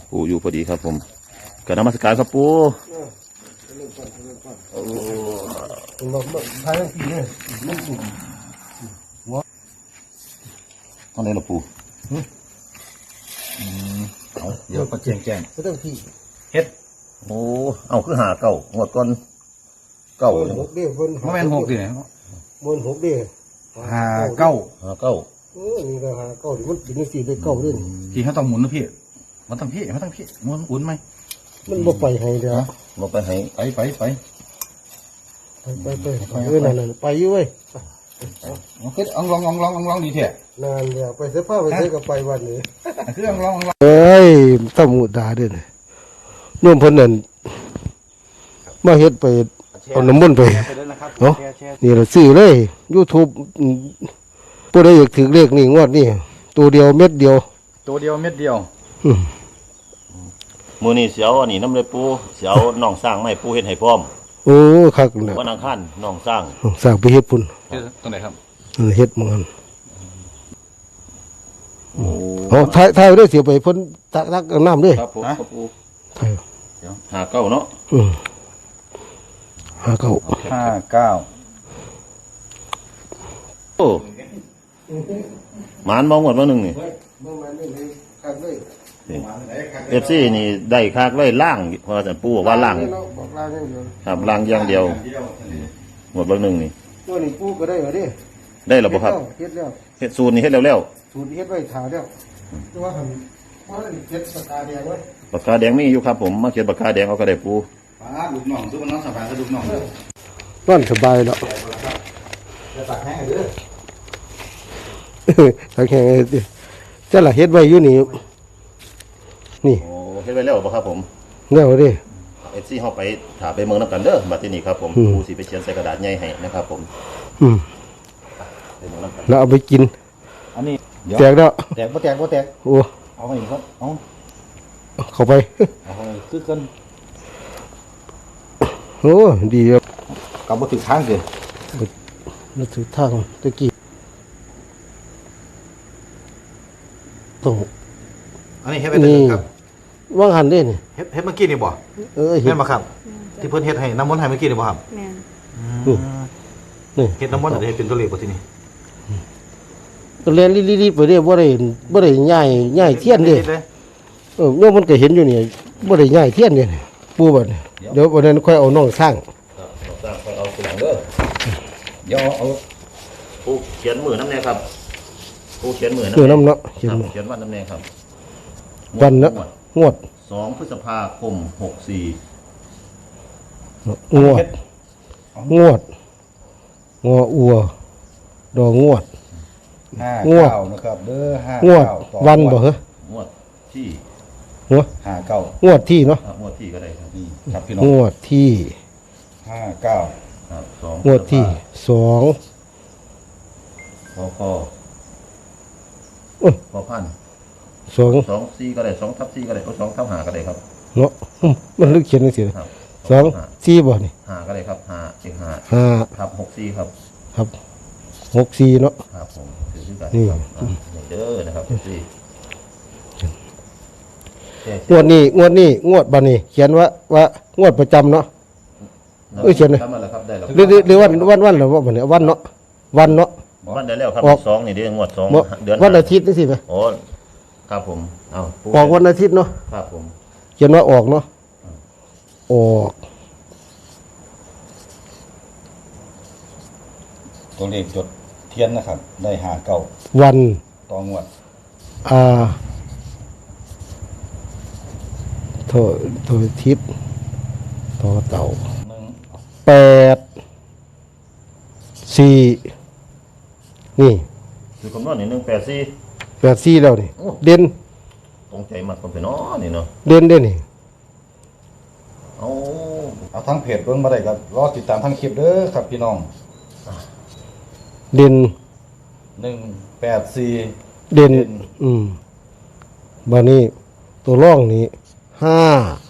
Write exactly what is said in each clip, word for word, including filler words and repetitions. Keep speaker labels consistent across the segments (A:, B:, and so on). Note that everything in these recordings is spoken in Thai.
A: ปูอยู่พอดีครับผมกนมัสการครับปู
B: ทายทั้งปีเลย
A: ตอนไหนล่ะปูเอาเดี๋ยวก็แจ้งแจ้ง
B: ก็ต้องที่
A: เฮ็ดโอ้เอาคือหาเก่าหัวก้อนเก่า
B: หกเดี้ยวคน
C: ไม่เป็นหกดิเนี่ย
B: มันหกเดี้ยว
C: หาเก้า
A: หาเก้า
B: เออนี่ก็หาเก้ามันกินสี่ไปเก้าด้วย
C: พี่เขาต้องหมุนนะพี่มันต้องพี่มันต้องพี่หมุนอุ่นไหม
B: มันบ่ไปให้เด้อ
A: บ่ไปให้
C: ไปไปไป
B: ไปไปไปเออนั่นๆไปอยู่เว้ย
C: คือลองลองลองลองลองดีเถอะ
B: นานแล้วไปเสื้อผ้าไปเสื้อกับไปวันนี้
C: คือลองลอง
B: เอ้ยต้องมุดาเด้อนุ่มเพิ่นนั่นมาเฮ็ดไปเอาน้ำมันต์ไปเนาะนี่เราซื้อเลย YouTube ผู้ใดอยากถือเลขนี่งวดนี่ตัวเดียวเม็ดเดียว
C: ตัวเดียวเม็ดเดียว
A: มื้อนี้สิเอาอันนี้นำเลยปูสิเอาน้องสร้างมาให้ปูเฮ็ดให้พร้อม
B: โอ้คักน่ะ
A: วันอังคารน้องสร้าง
B: สร้างไปเฮ็ดพุ่น
C: ตรงไหนครับ
B: เฮ็ดมันโอ้โหถ่ายถ่ายด้วยเสียไปเพิ่นตักตักน้ำด้วย
A: ครับผมครับปู
B: ถ่าย
A: เดี๋ยวหาเก้าเนาะ
B: อือห้าเก้า
C: ห้าเก้า
A: โอ้หมานมองหมดว่าหนึ่งนี่เอฟซีนี่ได้คากไว้ล่างเพราะอาจารย์ปูบอกว่าล่างครับล่างอย่างเดียวหมดเบอร์หนึ่งนี่
B: ตัวนี้ปูก็ได้เหรอดิ
A: ได้หรือเปล่าครับ
B: เฮ็ดแล้ว
A: เฮ็ดสูตรนี่เฮ็ดแล้วแล้ว
B: สูตรเฮ็ดไว้ถ่าแล้วแต่ว่าทำว่าเฮ็ดปากกาแดงไว้
A: ปากกาแดงมีอยู่ครับผมมาเขียนปากกาแดงเอาก็ได้ปู
C: ป้าลูกน้องทุกคนน้องสบายก็ลูกน้อง
B: นอนสบายแล้ว
C: จะตักแห้งเด้
B: อตักแห้งเด้อจะละเฮ็ดไว้อยู่นี่นี่
A: โอ้เฮ็ดไว้แล้วบ่ครับผม
B: แล้วดิ
A: เอฟซีเฮาไปถาไปเมืองนำกันเด้อบัดนี้ครับผมปูสิไปเขียนใส่กระดาษใหญ่ให้นะครับผม
B: อืมแล้วเอาไปกิน
C: อันนี้
B: แตกแล้ว
C: แตกบ่แตกบ่แตก
B: โอ้
C: เอาไปครับเอา
B: เข้าไป
C: เอาไปคือกัน
B: โอ้ดีครับ
C: กลับมาถึงทางเลย
B: มาถึงทางตะกี้ตรง
C: อันนี้เฮ็ดไปได้ครับ
B: ว่างหันได้นี่
C: เฮ็ดเฮ็ดเมื่อกี้นี่บ่
B: เออ
C: เฮ็ดมาครับที่เพิ่นเฮ็ดให้น้ำมนต์ให้เมื่อกี้นี่บ่ครับ
D: แม่น
B: นี่
C: เฮ็ดน้ำมนต์ได้เป็นตัวเลขบ่ทีนี้
B: ก็เรียนรีบๆไปเด้บ่ได้บ่ได้ย้ายย้ายเทียนเด้เออโยมมันก็เห็นอยู่นี่บ่ได้ย้ายเทียนเด้ปู่บัดเดี๋ยววันนั้นค่อยเอาน้องสร้าง
A: สร้างค่อยเอาทีหลังเด้อเดี๋ยวเอาปูเขียนมือน้ำแน่ครับปูเขียนมือ
B: น้ำน้ำเนาะ
A: เขียนเขียนวันน้ำแน่ครับ
B: วันเนาะงวด
A: สองพฤษภาคมหกสี่
B: งวดงวดงออัวดองวด
C: งวดนะครับเด้อห้าง
B: วดวันบ่เหร
A: องวดที่
B: หัว
C: ห้าเก้าง
B: วดที่เนาะ
A: งวดที่ก็ได้ครับ
C: ครับพี่น้อง
B: งวดที่
C: ห้าเก้า
A: ครับสอง
B: งวดที่สอง
A: พอพอพอพัน
B: สอง
A: สองสี่ก็ได้สองทับสี่ก็ได้สองทับห้าก็ได้ครับ
B: เนาะมันลึกเขียนหนังสือสองสี่บ่นี่
A: ห้าก็ได้ครับห้าเจ็ดห้า
B: ห้า
A: ทับหกสี่ครับ
B: ครับหกสี่เนาะ
A: ครับผมถือชื่อกันนี่เด้อนะครับสี่
B: งวดนี้งวดนี้งวดบัดนี้เขียนว่าว่างวดประจำเนาะเออเขียนเลยหรือหรือวันวันวันหรือว่าบัดนี้วันเนาะวันเนาะ
A: วันได้แล้วครับสองนี่เดือนงวดสอง
B: เดือนวันอาทิตย์นี่สิไหม
A: โอ้ครับผมเอา
B: ออกวันอาทิตย์เนาะ
A: ครับผม
B: เขียนว่าออกเนาะออก
C: ตัวเลขจดเทียนนะครับได้ห้าเก้า
B: วัน
C: ต่องวด
B: อ่าโทษโทษทิศต่อเต่าแปดสี่นี่
A: คือคำนวณนี่หนึ่งแปดสี่
B: แปดสี่แล้วนี่เด่น
A: ตรงใจมากคนเป็นน้อนี่เนาะ
B: เด่นเด่นนี่
A: เอา
C: เอาทั้งเพจเบิ่งมาได้ก็รอติดตามทั้งคลิปเด้อครับพี่น้อง
B: เด่น
C: หนึ่งแปดสี่
B: เด่นอืมบัดนี้ตัวร่องนี้ห้า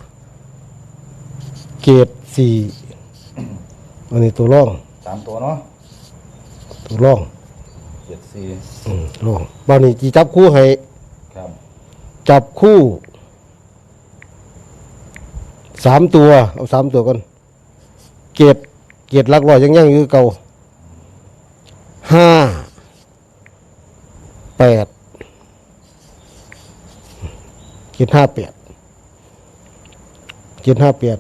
B: เกตสี่อันนี้ตัวร่อง
C: สามตัวเนาะ
B: ตัวร่อง
C: เจ็ดสี่
B: อืมร่องบัดนี้จีจับคู่ให้
C: ครับ
B: จับคู่สามตัวเอาสามตัวก่อนเกียรติเกียรติหลักร้อยยังยังอยู่เก่าห้าแปดเกียรติห้าแปดเกียรติห้าแปด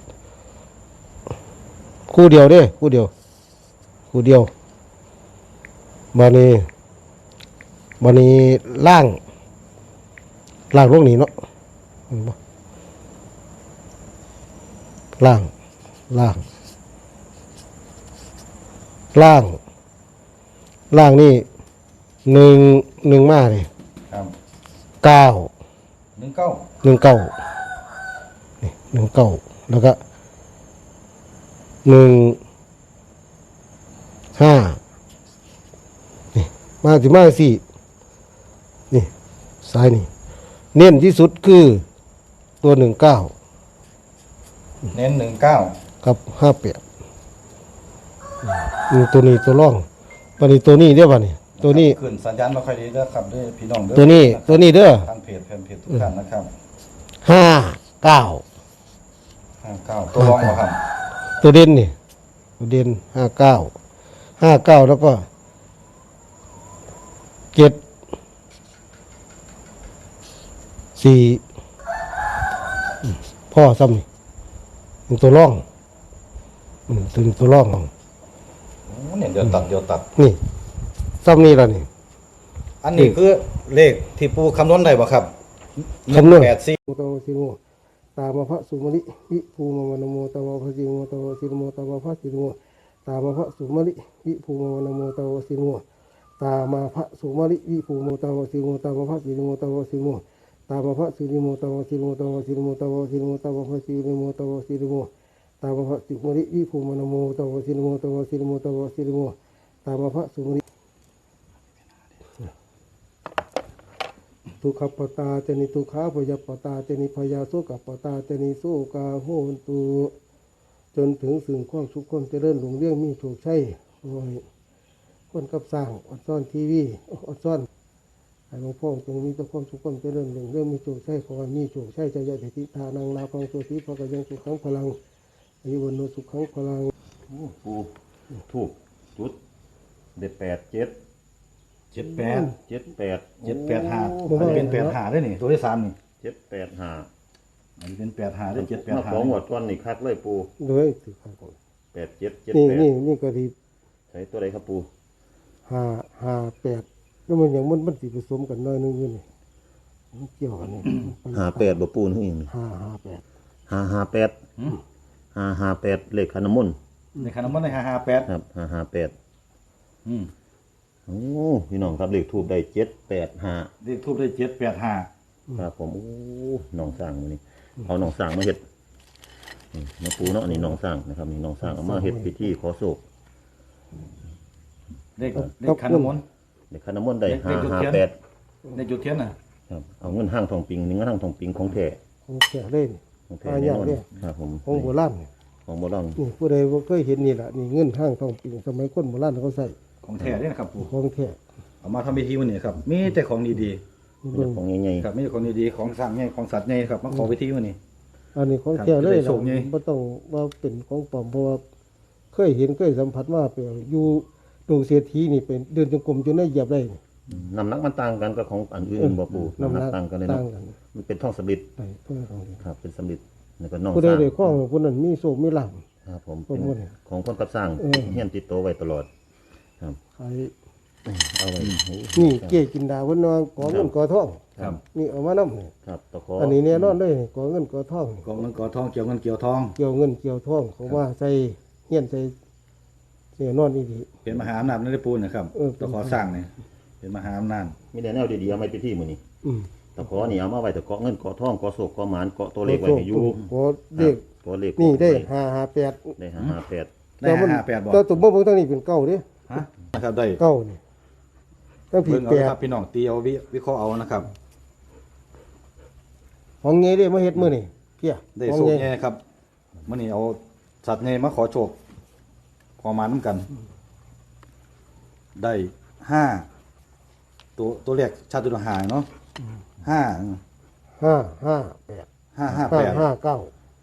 B: คู่เดียวเด้คู่เดียวคู่เดียวบานี้บานี้ล่างล่างลงนี้เนาะเห็นบ่ล่างล่างล่างล่างนี่หนึ่งหนึ่งมาเลย
C: ครับ
B: เก้า
C: หนึ่งเก้า
B: หนึ่งเก้านี่หนึ่งเก้าแล้วก็หนึ่งห้านี่มาสิมาสี่นี่ซ้ายนี่เน้นที่สุดคือตัวหนึ่งเก้า
C: เน้นหนึ่งเก้า
B: กับห้าแปดนี่ตัวนี้ตัวร่องตัวนี้ตัวนี้เด้อป่ะนี่ตัวนี้
C: ขึ้นสัญญาณไม่ค่อยดีเด้อครับเด้อพี่น้องเด้อ
B: ตัวนี้ตัวนี้เด้อ
C: ทางเพจแฟนเพจทุกท่านนะครับ
B: ห้าเก้า
C: ห้าเก้าตัวรองเหรอครับ
B: ตัวเด่นนี่ตัวเด่นห้าเก้าห้าเก้าแล้วก็เจ็ดสี่อืมพ่อซ้ำนี่เป็นตัวร่องอืมตัวนี้ตัวร่อง
C: โอ้เนี่ยเดี๋ยวตัดเดี๋ยวตัด
B: นี่ซ้ำนี่ละนี่
C: อันนี้คือเลขที่ปูคำนวณได้บ่ครับ
B: คำนวณ
C: แปดสี่
B: โมตวสิโมตามมาพระสุมาลิวิภูมาวนาโมตาวะพระสิโมตาวะสิโมตาวะพระสิโมตามมาพระสุมาลิวิภูมาวนาโมตาวะสิโมตามมาพระสุมาลิวิภูมตาวะสิโมตามมาพระสิโมตาวะสิโมตามมาพระสิโมตาวะสิโมตาวะสิโมตาวะสิโมตามมาพระสิโมตาวะสิโมตามมาพระสุมาลิวิภูมาวนาโมตาวะสิโมตาวะสิโมตาวะสิโมตามมาพระสุมาลิทุกขปตาเจนิทุกขาพยาปตาเจนิพยาโสกปตาเจนิโสกาโหนตุจนถึงสิ่งความสุขความเจริญหลงเรื่องมีโชคชัยโอ้ยคนกับสร้างอดซ่อนทีวีอดซ่อนให้หลวงพ่อจงมีแต่ความสุขความเจริญหลงเรื่องมีโชคชัยขอให้มีโชคชัยใจใหญ่ทิทานังลาพังโสติพระกยังสุขังพลังอายุวันโนสุขังพลัง
A: ปูถูกจุดเด็ดแปดเจ็ด
C: เจ็ดแปด
A: เจ็ดแปด
C: เจ็ดแปดห้าอันนี้เป็นแปดห้าได้นี่ตัวที่สามนี่
A: เจ็ดแปดห้า
C: อันนี้เป็นแปดห้าได้เจ็ดแปด
A: มา
C: ห้า
A: สองหมวดก้อนนี่คักเลยปู
B: เลยถือข้างบน
A: แปดเจ็ดเจ็ด
B: นี่
A: แปด
B: นี่นี่ก็ดี
A: ใส่ตัวใดครับปู
B: ห้าห้าแปดแล้วมันอย่างมันมันสิผสมกันน้อยนึงอยู่นี่มันเกี่ยวกันนี่
A: ห้าแปดบ่ปูนี่เอง
B: ห้าห้าแปด
A: ห้าห้าแปดห้าห้าแปดเลขขันน้ำมนต์
C: ในขนมมันในห้าห้าแปด
A: ครับห้าห้าแปด
C: อืม
A: โอ้พี่น้องครับเลขทูบได้เจ็ดแปดห้า
C: เลขทูบได้เจ็ดแปดห้า
A: ครับผมโอ้น้องสร้างมื้อนี้เอาน้องสร้างมาเฮ็ดนี่มาปูเนาะนี่น้องสร้างนะครับนี่น้องสร้างเอามาเฮ็ดพิธีขอโศก
C: เลขเลขขนมมัน
A: เลขขันน้ำมนต์ได้
C: เลข
A: ห้า
C: จุด
A: ห้า
C: เทียน
A: แปด
C: ในจุดเทียนน่ะ
A: ครับเอาเงินห้างทองปิงนี่เงินห้างทองปิงของแท้
B: ของแก่เล่น
A: ของแท้
B: อา
A: แน่
B: ญาน
A: อน
B: เนี่ย
A: ครับผม
B: ของโบราณนี่
A: ของโบราณ
B: นี่ผู้ใดบ่เคยเห็นนี่แหละนี่เงินห้างทองปิงสมัยคนโบราณเขาใส่
C: ของแท้เนี่ยนะครับปู่
B: ของแท้
C: เอามาทำพิธีวันนี้ครับมีแต่ของดี
B: นี่
A: เป็
B: เบิ่
A: น
B: ง
A: ของใหญ่
C: ๆครับมีแต่ของดีๆของสร้างใหญ่ของสัตว์ใหญ่ครับมาขอพิธีวันนี้
B: อันนี้ของแท้เลย
C: ครับจะได้
B: ล่ะ
C: โชคไง
B: บ่ต้องว่าเป็นของปลอมเพราะว่าเคยเห็นเคยสัมผัสมาเปล่าอยู่ดงเศรษฐีนี่เป็นเดินจงกรมจนได้เหยียบได้นี่
A: ๆน้ำหนักมันต่างกันกับของอันอื่นบ่ปูน้ำหนักต่างกันเลยเนาะ
B: ต่างกัน
A: มันเป็นท่องสำริด
B: ไปเพื่อของดี
A: ครับเป็นสำริดแล้วก็น้อง
B: ผู้
A: ส
B: ใด
A: ร้าง
B: ได้ข้องผู้นั้นมีโชคมีลาภ
A: ครับผม
B: ผม
A: เป็น
B: ว่าเนี่ย
A: ของคนกับสร้าง
B: เออ
A: เฮียนติดตัวไว้ตลอด ครับ
B: ใคร
A: เอาไว้โอ้
B: นี่เก้กินดาเพิ่นว่าขอเงินขอทอง
C: ครับ
B: นี่เอามานำนี่
A: ครับตะขอ
B: อันนี้แน่นอนเลยขอเงินขอทอง
C: กองเงินกอทองเกี่ยวเงินเกี่ยวทอง
B: เกี่ยวเงินเกี่ยวทองเขาว่าใส่เฮียนใส่แน่นอนอีหลี
C: เป็นมหาอำนาจในได้ปูนนะครับ
B: เออ
C: ต้องขอสร้างเนี่ยเป็นมหาอำนาจ
A: มีแต่แนวดีๆเอาไว้พิธีมื้อนี้
B: อืม
A: ตะขอนี่เอามาไว้ตะเกาะเงินเกาะทองเกาะโศกเกาะหมานเกาะตัวเลขไว้ให้อยู่
B: ขอเด็ก
A: ตัวเลข
B: นี่ได้
A: ว้
B: ห้าห้าแปด
A: ได้ห้าห้าแปด
C: ได้ห้าห้าแปดบอก
B: แต่ตัวบ่เบิ่งทางนี้เป็นเก้าเด้
C: ฮะนะครับได้
B: เก้านี่ตั้งผิ
C: เบิ่
B: ด
C: งเอา
B: แป
C: เลย
B: ด
C: ครับพี่น้องตีเอาวิวิเคราะห์เอานะครับ
B: ของเงี้ยเด้มาเฮ็ดมื้อนี่เพี้ย
C: ได้
B: ของ
C: โชค
B: เงี้ย
C: แน่ครับมื่อนี้เอาสัตว์เนมาขอโชคขอมาน้ำกัน ได้ห้าตัวตัวเลขชาติตัวหาเนาะห้า
B: ห้าห้าแปด
C: ห้าห้า
B: ห้า
C: แปด
B: ห้าเก้า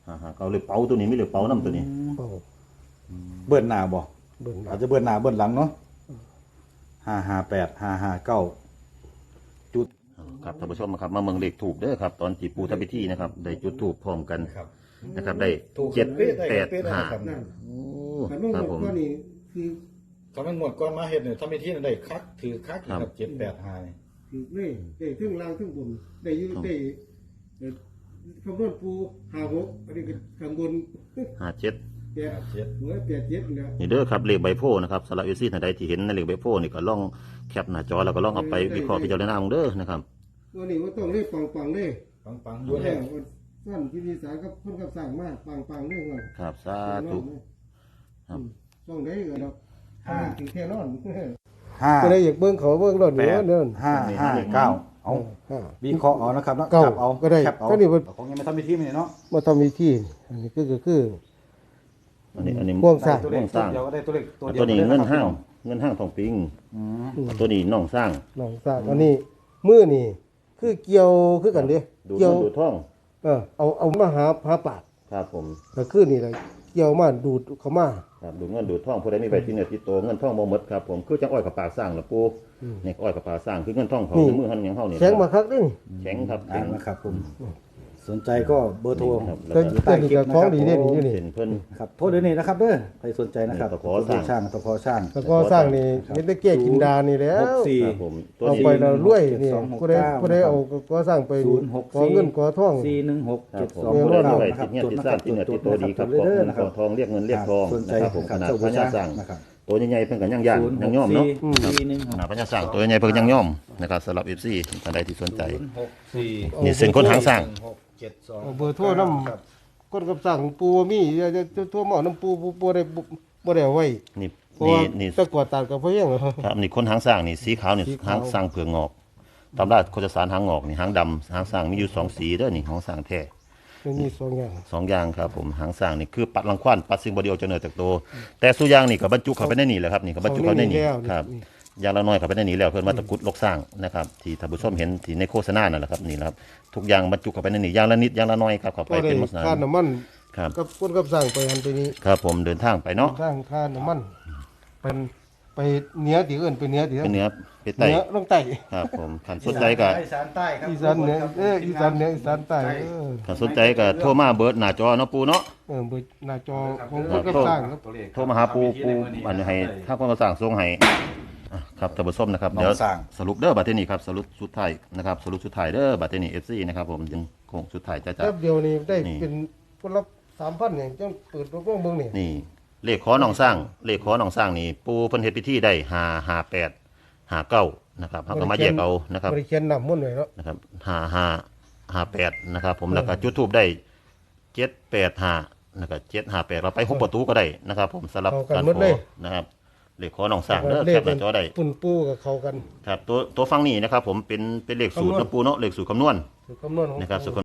A: หาหาเก้าเลยเป๋าตัวนี้มีเลยเป๋านํตัวนี้
B: เป้า
C: เบิ้ลหน้าบ่
B: เบิ่ง
C: อาจจะเบิ้ลหน้าเบิ้ลหลังเนาะห้าห้าแปดห้าห้าเก้าจุด
A: ครับท่านผู้ชมครับมาเมืองเลขถูกเด้อครับ ตอนที่ปูทำพิธีนะครับ ได้จุดถูกพร้อมกันนะครับ ได้
C: ถูก
A: เจ็ด
C: เป๊ะได้
A: แปด
C: เป๊ะได้
A: ห้า
C: ครับ
B: นั่น
A: โอ้
B: ขันลง
A: ครับ
B: หม
A: ผ
B: ด
A: ม
B: ก็นี่คือ
C: ถ้ามันหมดก่อนมาเฮ็ดเนี่ยถ้ามีที่ได้คักถือคักครับเจ็ดแปดห้านี่
B: คือนี่ได้ถึงล่างถึงบนได้อยู่ได้เอ่อคำนวณปูห้าหกอันนี้ก็ข้างบน
A: ห้าเจ็ด
B: แปด
C: เจ็ด
B: หัวแปดเจ็ดเนี่ย
A: นี่เด้อครับเลขใบโพธิ์นะครับสำหรับเอซี่ท่านใดที่เห็นในเลขใบโพธิ์นี่ก็ลองแคปหน้าจอแล้วก็ลองเอาไปวิเคราะห์พิจารณาเอาเด้อนะครับ
B: วันนี้ว่าต้องเล่ปังปังๆเลย
C: ปังปังๆอ
B: วั
C: ยู่
B: น
C: แล้
B: แร
C: ว
B: กวันสั้นพิธีสารกับคนกับสั่งมากปังปังๆเลยว่า
A: ครับสาธุ ครับ
B: ต้องได้ก็ดอกห้าถึงแค่นอน
C: ห้า
B: ก็ได้อยากเบิ่งเขาเบิ่งรถ
C: แป
B: นี่
C: ด
B: ว่าเดิน
C: ห้าห้าเก้าเอา
B: ห้า
C: วิเคราะห์เอานะครับนะ
B: เก้า
C: จับเอา
B: ก็ได้
C: แคปเอา
B: ก็นี่มัน
C: ของยังไม่ทำพิธีมันเนาะ
B: มาทำวิธีอันนี้ก็คือคือ
A: อันนี้อันนี้
B: ห่วงสร้าง
C: ตัวเลข
A: สร้าง
C: ตัวเดียวก็ได้ตัวเลขตัวเดียว
A: ตัวนี้
C: ก็ได้
A: เงิน
C: นะครับ
A: ห้างเงินห้างทองปิง
C: อืม
A: ตัวนี้น้องสร้าง
B: น้องสร้างอันนี้มือนี่คือเกี่ยวคือกันเด้
A: ดู
B: เกี่ยว
A: เงินดูทอง
B: เออเอาเอามาหาหาปาก
A: ครับผม
B: ก็คือนี่แหละเกี่ยวมาดูดเข้ามา
A: ครับดูเงินดูทองผู้ใดมีใบที่เหนือที่โตเงินทองบ่หมดครับผมคือจังอ้อยกับปลาสร้างล่ะปูนี่อ้อยกับปลาสร้างคือเงินทองเขาในมือเฮาหยังเฮานี่
B: แข็งมาคักเด้นี่
A: แข็งครับ
C: อ่า
A: แข็ง
C: นะครับผมสนใจก็เบอร์โทร
A: ครับแล้ว
B: แต่
A: ก็
B: แต่นี่ก็ของดีเด้นี่อยู่นี่
A: เห็นเพิ่น
C: ครับโทรเดี๋ยวนี้นะครับเด้อใครสนใจนะครับ
A: ตะขอสร้าง
C: ช่างตะขอช่าง
B: แล้วก็สร้างนี่เฮ็ดได้แก้กินดานี่แล้
C: ห
B: ว
C: กสี่
A: ครับผมตัว
B: เอา
A: นี้
B: ไปแล้วรวยนี่
C: สองหก
B: ผู้ใด
C: เก้า
B: ผู้ใดเอาก็สร้างไป
C: ศูนย์หก
B: ขอเงินขอทอง
C: สี่หนึ่งหก
A: ครั
C: เจ็
A: บ
C: ด
A: ผม
C: สอง
A: ผู้
C: ห
A: ใด
C: ก
A: มี
C: เก้า
A: ใบ
C: นะครับ
A: ที่เหนือ
C: จด
A: ที่
C: นะ
A: ส
C: ค
A: ร้า
C: รั
A: ง
C: บ
A: ที่เหนือ
C: จ
A: ที่
C: ด
A: โตดีครับ
C: นะ
A: ข
C: ค
A: อ
C: รั
A: ง
C: บ
A: เงินขอทองเรียกเงินเรียกทอง
C: สนใจ
A: นะครับผม
C: ครับ
A: ขนาด
C: เจ้า
A: พ
C: บู
A: ญา
C: ชา
A: สร้าง
C: นะครับ
A: ตัวใหญ่ๆเพิ่นก็ย่างย่าง
C: ศูนย์ห
A: ย่าง
C: ก
A: ย่อมเนาะ
C: สี่สี่หนึ่งห
A: ข
C: ก
A: นาดพญาสร้างตัวใหญ่ๆเพิ่นก็ย่างย่อมนะครับสำหรับ เอฟ ซี ท่านใดที่สนใจ
C: ศูนย์หกสี่
A: นี่เส้นคนหางสร้าง
C: หกเจ็ดสอง
B: เอาเบอร์โทรนำ
C: ครับ
B: คนกับสั่งปูบ่มีอย่าจะโทรมาเอาน้ำปูปูบ่ได้บ่ได้เอาไว้
A: นี่
B: เพราะ
A: นี่
B: ว่า
A: นี่
B: ตะกวาดตาดกับพ่อเฮียงเหรอ
A: ครับนี่คนหางสร้างนี่สีขาวนี่
B: สีขาว
A: หางสร้างเผือกงอกตามราชโคจรสารหางงอกนี่หางดำหางสร้างมีอยู่สองสีเด้อนี่หางสร้างแท้
B: มันมีสองอย่าง
A: สองอย่างครับผมหางสร้างนี่คือปัดรังควานปัดสิ่งบ่ดีออกจากเนื้อจากตัวแต่สุอย่างนี่ก็บรรจุเข้าไปในนี่แหละครับนี่ก็บรรจุเข้าไปในนี่
B: เข้าในนี่แล้ว
A: ครับ
B: นี่
A: อย่างละน้อยเข้าไปในนี่แล้วเพิ่นว่าตะกรุดลกสร้างนะครับที่ท่านผู้ชมเห็นที่ในโฆษณานั่นแหละครับนี่แหละครับทุกอย่างบรรจุเข้าไปในนี่อย่างละนิดอย่างละน้อยครับเข้าไป
B: ก็ได้
A: เป็นมสนา
B: ค่าน้ำมัน
A: ครับ
B: กับคนกับสั่งไปหันไปนี้
A: ครับผมเดินทางไปเนาะ
B: สร้างค่าน้ำมันเป็นไปเหนือที่อื่นไปเหนือที่
A: เป็นเหนือไป
B: เห
A: ใต้
B: นือลงใต้
A: ครับผมคันสนใจก็
C: อีสานใต้ครับ
B: อีสานเหนือเอออีสานเหนืออีสานใต้เออ
A: ถ้าสนใจก็โทรมาเบิดหน้าจอเนาะปูเนาะ
B: เออเบอร์หน้าจอของคนกับสร้างครับ
A: โทรมาหาปูปูอันให้ถ้าคนก็สั่งส่งให้อ่ะครับท่านผู้ชมนะครับ
C: น้อง
A: เดี๋ยว
C: สร้าง
A: สรุปเด้อบัดนี้ครับสรุปสุดท้ายนะครับสรุปสุดท้ายเด้อบัดนี้ เอฟ ซี นะครับผมยังคงสุดท้ายจ้า
B: แป๊บเดียวนี่ได้
A: นี่
B: เป็นคนละสามพันอย่างจังเปิดโรงเบิ่งนี่
A: นี่เลขขอหนองสร้างเลขขอหนองสร้างนี่ปูเพิ่นเฮ็ดพิธีได้ห้า ห้า แปด ห้า เก้านะครับเฮาก็มาแยกเอานะครับ
B: บริเขียนนำมุ่นต์ไว้เนาะ
A: นะครับห้า ห้า ห้า แปดนะครับผมแล้วก็จุดธูปได้เจ็ด แปด ห้านะครับเจ็ด ห้า แปดเราไปหกประตูก็ได้นะครับ ผมสำหรับการขอนะครับเลขขอหนองสร้างเด้อ
B: เล
A: แค
B: ข
A: ปหน้าจอได้
B: ปุ่นปูกับเขากัน
A: ครับตัวตัวฟังนี่นะครับผมเป็นเป็นเลขสูตร
B: คำนวณ
A: นะปูเนาะเลขสูตรคำนวณ
B: คือคำนวณของ
A: นะครับ
B: ปู
A: สุข